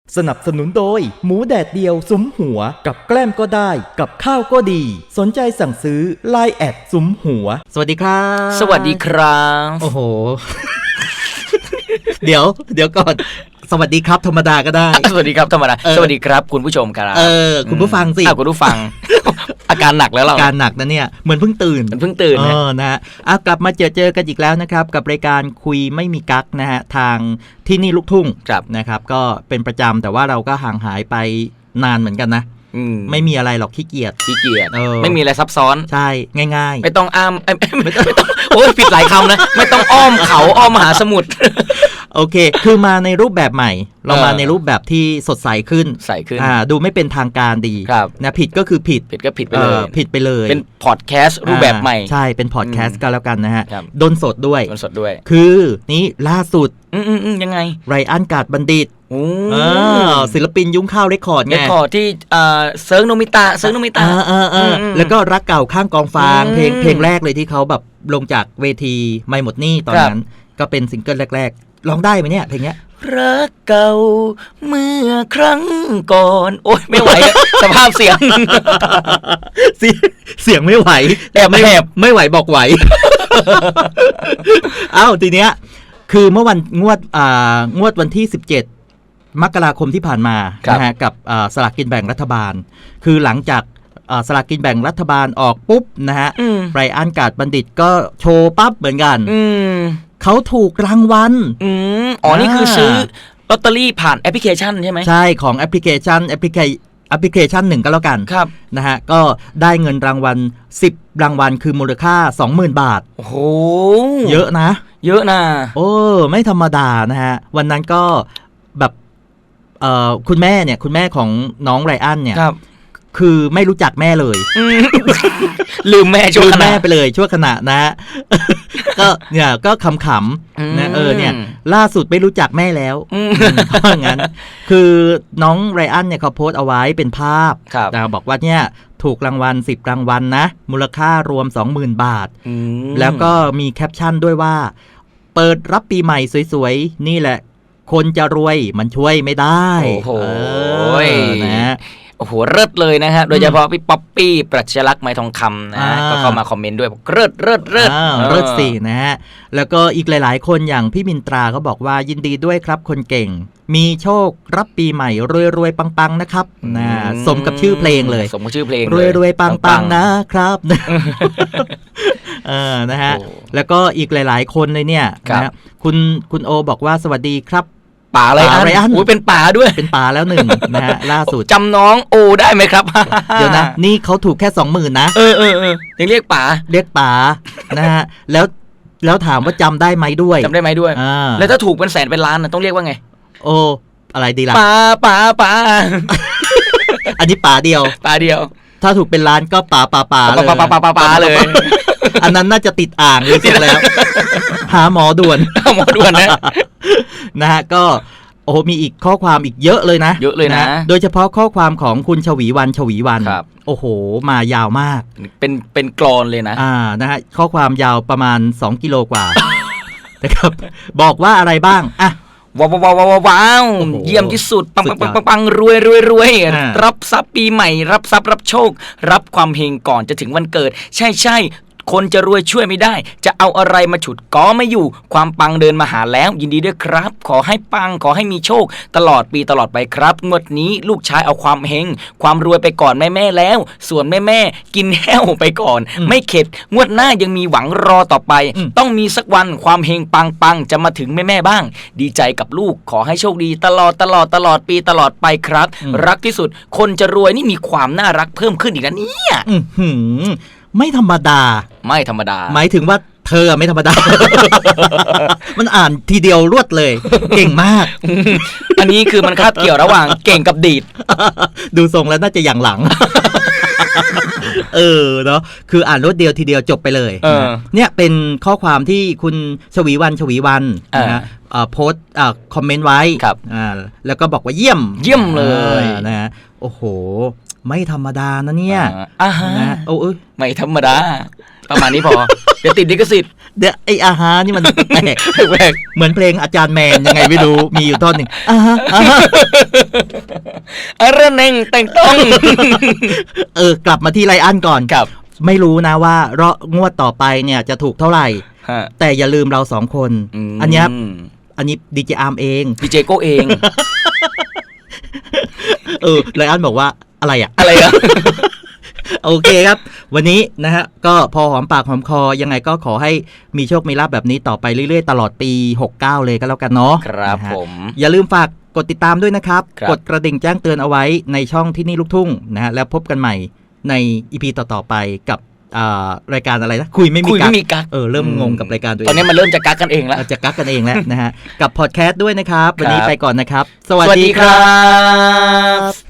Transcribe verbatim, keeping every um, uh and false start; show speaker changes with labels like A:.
A: สนับสนุนโดยหมูแดดเดียวซุ้มหัวกับแกล้มก็ได้กับข้าวก็ดีสนใจสั่งซื้อ ไลน์ แอดซุ้มหัวสวัสดีครับ
B: สวัสดีครับ
A: โอ้โห เดี๋ยวเดี๋ยวก่อนสวัสดีครับธรรมดาก็ได้
B: สวัสดีครับธรรมดาสวัสดีครับคุณผู้ชมครับ
A: เออคุณผู้ฟังสิ
B: คุณผู้ฟังอาการหนักแล้วเรา
A: อาการหนักนะเนี่ยเหมือนเพิ่งตื่น
B: เหมือนเพิ่งตื่น
A: เออนะฮะอ่ะกลับมาเจอเจอกันอีกแล้วนะครับกับรายการคุยไม่มีกั๊กนะฮะทางที่นี่ลูกทุ่งนะครับก็เป็นประจำแต่ว่าเราก็ห่างหายไปนานเหมือนกันนะไม่มีอะไรหรอกขี้เกียจ
B: ขี้เกียจไม่มีอะไรซับซ้อน
A: ใช่ง่าย
B: ๆไม่ต้องอ้ามไม่ต้องไม่ต้องโอ้ยผิดหลายคำนะไม่ต้องอ้อมเขาอ้อมมหาสมุทร
A: โอเคคือมาในรูปแบบใหม่เรามาในรูปแบบที่สดใสขึ้น
B: ใสขึ้น
A: อ่าดูไม่เป็นทางการดีนะผิดก็คือผิด
B: ผิดก็ผิดไปเลย
A: ผิดไปเลย
B: เป็นพอดแคสต์รูปแบบใหม่
A: ใช่เป็นพอดแคสต์ก็แล้วกันนะฮะดนสดด้วย
B: ดนสดด้วย
A: คือนี่ล่าสุด
B: อืมอืมอืมยังไง
A: ไรอันกาดบัณฑิตศิลปินยุ้งข้าวเรคคอร์ดไง
B: เรคคอร์ดที่เซิร์งโนมิตะเซิร์งโนมิตะ
A: แล้วก็รักเก่าข้างกองฟางเพลงเพลงแรกเลยที่เขาแบบลงจากเวทีไม่หมดหนี้ตอนนั้นก็เป็นซิงเกิลแรกๆร้องได้ไหมเนี่ยเพลงเนี้ย
B: รักเก่าเมื่อครั้งก่อนโอ๊ยไม่ไหวสภาพเสียง
A: เสียงไม่ไหว
B: แต่ไม่แหบ
A: ไม่ไหวบอกไหวเอ้าทีเนี้ยคือเมื่อวันงวดอ่างวดวันที่สิบเจ็ดมกราคมที่ผ่านมานะฮะกับสลากกินแบ่งรัฐบาลคือหลังจากสลากกินแบ่งรัฐบาลออกปุ๊บนะฮะไรอันกาดบัณฑิตก็โชว์ปั๊บเหมือนกันเขาถูกรางวัล
B: อืมอ๋อนี่คือซื้อลอตเตอรี่ผ่านแอปพลิเคชันใช่ไหม
A: ใช่ของแอปพลิเคชันแอปพลิเคแอปพลิเคชันหนึ่งก็แล้วกัน
B: ครับ
A: นะฮะก็ได้เงินรางวัลสิบรางวัลคือมูลค่า สองหมื่น บาท
B: โอ้โห
A: เยอะนะ
B: เยอะนะ
A: โอ้ไม่ธรรมดานะฮะวันนั้นก็แบบเอ่อคุณแม่เนี่ยคุณแม่ของน้องไรอันเนี่ยคือไม่รู้จักแม่เลย
B: ลืมแม่ชั่วขณะ
A: ลืมแม่ไปเลยชั่วขณะนะก็เนี่ยก็ขำๆนะเออเนี่ยล่าสุดไม่รู้จักแม่แล้วเพราะงั้นคือน้องไรอันเนี่ยเขาโพสต์เอาไว้เป็นภาพนะบอกว่าเนี่ยถูกรางวัลสิบรางวัลนะมูลค่ารวม สองหมื่น บาทแล้วก็มีแคปชั่นด้วยว่าเปิดรับปีใหม่สวยๆนี่แหละคนจะรวยมันช่วยไม่ได้
B: โอ้โหนะโอ้โหเลิศเลยนะฮะโดยเฉพาะพี่ป๊อปปี้ปรัชญาลักษณ์ไม้ทองคำนะก็เข้ามาคอมเมนต์ด้วยบอกเลิศเลิศเลิศ
A: เลิศสินะฮะแล้วก็อีกหลายๆคนอย่างพี่มินตราก็บอกว่ายินดีด้วยครับคนเก่งมีโชครับปีใหม่รวยๆปังๆนะครับนะสมกับชื่อเพลงเลย
B: สมกับชื่อเพลง
A: รวยๆปังๆนะครับเออนะฮะแล้วก็อีกหลายๆคนเลยเนี่ยนะคุณคุณโอบอกว่าสวัสดีครับ
B: ป่าอะไรอันโอ้ยเป็นป่าด้วย
A: เป็นป่าแล้วหนึ่งนะฮะล่าสุด
B: จำน้องโอได้ไหมครับ
A: เดี๋ยวนะนี่เขาถูกแค่สองหมื่นนะ
B: เออเออเออยังเรียกป่า
A: เรียกป่านะฮะแล้วแล้วถามว่าจำได้ไหมด้วย
B: จำได้ไหมด้วยแล้วถ้าถูกเป็นแสนเป็นล้านต้องเรียกว่าไง
A: โอ้อะไรดีล่ะ
B: ป่าป่าป่า
A: อันนี้ป่าเดียว
B: ป่าเดียว
A: ถ้าถูกเป็นล้านก็ป่าป่าป่าเลย
B: ป่าป่าป่าป่าเลย
A: อันนั้นน่าจะติดอ่างเลยสุดแล้วหาหมอด่วน
B: หมอด่วนนะ
A: นะฮะก็โอ้มีอีกข้อความอีกเยอะเลยนะ
B: เยอะเลยนะ
A: โดยเฉพาะข้อความของคุณชวีวันชวีวันโอ้โหมายาวมาก
B: เป็นเป็นกลอนเลยนะ
A: อ่านะฮะข้อความยาวประมาณสองกิโลกว่านะครับบอกว่าอะไรบ้างอ่ะ
B: ว้าวว้าวว้าวว้าวเยี่ยมที่สุดปังปังปังปังปังรวยรวยรวยรับทรัพย์ปีใหม่รับทรัพย์รับโชครับความเฮงก่อนจะถึงวันเกิดใช่ใช่คนจะรวยช่วยไม่ได้จะเอาอะไรมาฉุดก็ไม่อยู่ความปังเดินมาหาแล้วยินดีด้วยครับขอให้ปังขอให้มีโชคตลอดปีตลอดไปครับงวดนี้ลูกชายเอาความเฮงความรวยไปก่อนแม่แม่แล้วส่วนแม่แม่กินแห้วไปก่อนไม่เข็ดงวดหน้ายังมีหวังรอต่อไปต้องมีสักวันความเฮงปังปังจะมาถึงแม่แม่บ้างดีใจกับลูกขอให้โชคดีตลอดตลอดตลอดปีตลอดไปครับรักที่สุดคนจะรวยนี่มีความน่ารักเพิ่มขึ้นอีกนะเนี่ย
A: ไม่ธรรมดา
B: ไม่ธรรมดา
A: หมายถึงว่าเธอไม่ธรรมดา มันอ่านทีเดียวรวดเลยเก่งมาก
B: อันนี้คือมันคาบเกี่ยวระหว่างเก่งกับดีด
A: ดูทรงแล้วน่าจะอย่างหลัง เออเนาะคืออ่านรวดเดียวทีเดียวจบไปเลยเนี่ยเป็นข้อความที่คุณชวีวันชวีวันนะฮะโพสต์คอมเมนต์ไว้แล้วก็บอกว่าเยี่ยม
B: เยี่ยมเลย
A: นะฮะโอ้โหไม่ธรรมดานะเนี่ย
B: อ่าฮะ
A: โอ้ย
B: ไม่ธรรมดาประมาณนี้พอเดี๋ยวติดลิขสิทธิ์
A: เดี๋ยวไออาฮานี่มันแปลก
B: แปลก
A: เหมือนเพลงอาจารย์แมนยังไงไม่รู้มีอยู่ท่อนหนึ่งอาฮาอาฮา
B: อะไรเน่งแต่งต้อง
A: เออกลับมาที่ไลอันก่อน
B: ครับ
A: ไม่รู้นะว่ารองวดต่อไปเนี่ยจะถูกเท่าไหร่
B: ฮะ
A: แต่อย่าลืมเราสองคน
B: ม
A: อันเนี้ยอันนี้ดีเจอาร์มเอง
B: ดีเจโก้เอง
A: เออไลอันบอกว่าอะไรอ่ะ
B: อะไรอะ
A: โอเคครับ วันนี้นะฮะก็พอหอมปากหอมคอยังไงก็ขอให้มีโชคมีลาภแบบนี้ต่อไปเรื่อยๆ ตลอดปีหกสิบเก้าเลยก็แล้วกันเนาะ
B: ครับ
A: นะฮะ
B: ผม
A: อย่าลืมฝากกดติดตามด้วยนะครับ
B: ครับ
A: กดกระดิ่งแจ้งเตือนเอาไว้ในช่องที่นี่ลูกทุ่งนะฮะแล้วพบกันใหม่ในอีพีต่อๆไปกับอ่ารายการอะไรนะคุยไม่มี
B: คุย
A: กั๊
B: ไม่
A: ก
B: มีกัก
A: เออเริ่มงงกับรายการตัวเอง
B: ตอนนี้มันเริ่มจะกักกันเองแล้ว
A: เราจะกักกันเองแล้วนะฮะกับพอดแคสต์ด้วยนะครับวันนี้
B: ครับ
A: ไปก่อนนะครับ ส
B: ส
A: วัส
B: วัส
A: ดี
B: ดี
A: ค
B: ค
A: รั
B: รับ บ